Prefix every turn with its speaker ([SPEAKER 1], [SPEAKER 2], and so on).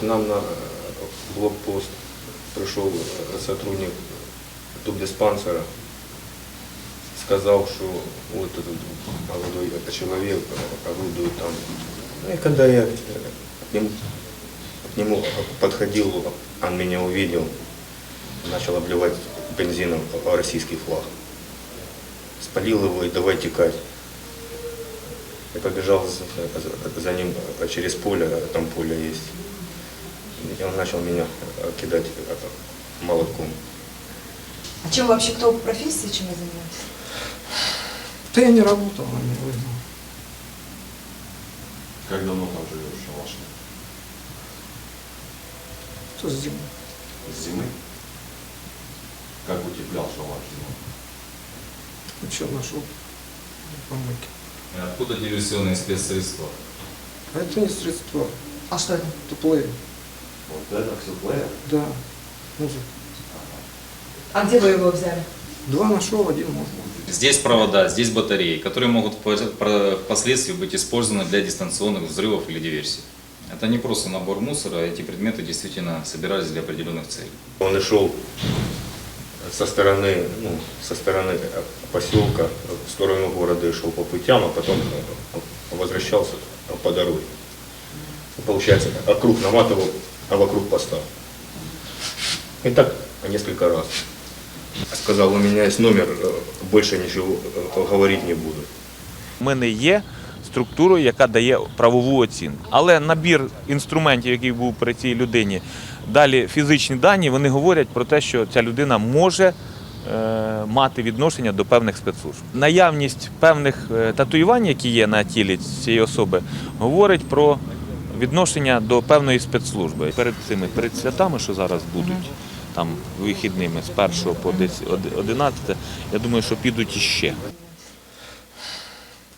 [SPEAKER 1] нам на блокпост пришел сотрудник тубдиспансера, сказал, что вот этот молодой человек орудует там. Ну и когда я к нему подходил, он меня увидел, начал обливать бензином российский флаг. Спалил его и давай текать. Я побежал за ним через поле, там поле есть. И он начал меня кидать молотком.
[SPEAKER 2] А чем вообще, кто по профессии, чем вы занимаетесь?
[SPEAKER 3] Да я не работал, он не вызнал.
[SPEAKER 4] Как давно там живешь, в шалаше?
[SPEAKER 3] Что с зимой?
[SPEAKER 4] С зимы? Как утеплял шалаш зимой?
[SPEAKER 3] Ну что, нашел помойки.
[SPEAKER 5] Откуда диверсионные спецсредства?
[SPEAKER 3] А это не средства,
[SPEAKER 2] А что это?
[SPEAKER 3] это плеер.
[SPEAKER 4] Вот это все плеер?
[SPEAKER 3] Да, музыка.
[SPEAKER 2] А где вы его взяли?
[SPEAKER 3] 2 нашел, 1 можно.
[SPEAKER 5] Здесь провода, здесь батареи, которые могут впоследствии быть использованы для дистанционных взрывов или диверсий. Это не просто набор мусора, эти предметы действительно собирались для определенных целей.
[SPEAKER 1] Он и шел со стороны поселка в сторону города, и шел по путям, а потом возвращался по дороге. Получается, округ наматывал, а вокруг поста. И так несколько раз. Сказал, у меня есть номер, больше ничего говорить не буду.
[SPEAKER 6] Ми не є структурою, яка дає правову оцінку. Але набір інструментів, який був при цій людині, далі фізичні дані, вони говорять про те, що ця людина може мати відношення до певних спецслужб. Наявність певних татуювань, які є на тілі цієї особи, говорить про відношення до певної спецслужби. Перед святами, що зараз будуть, там вихідними з 1 по 11, я думаю, що підуть іще.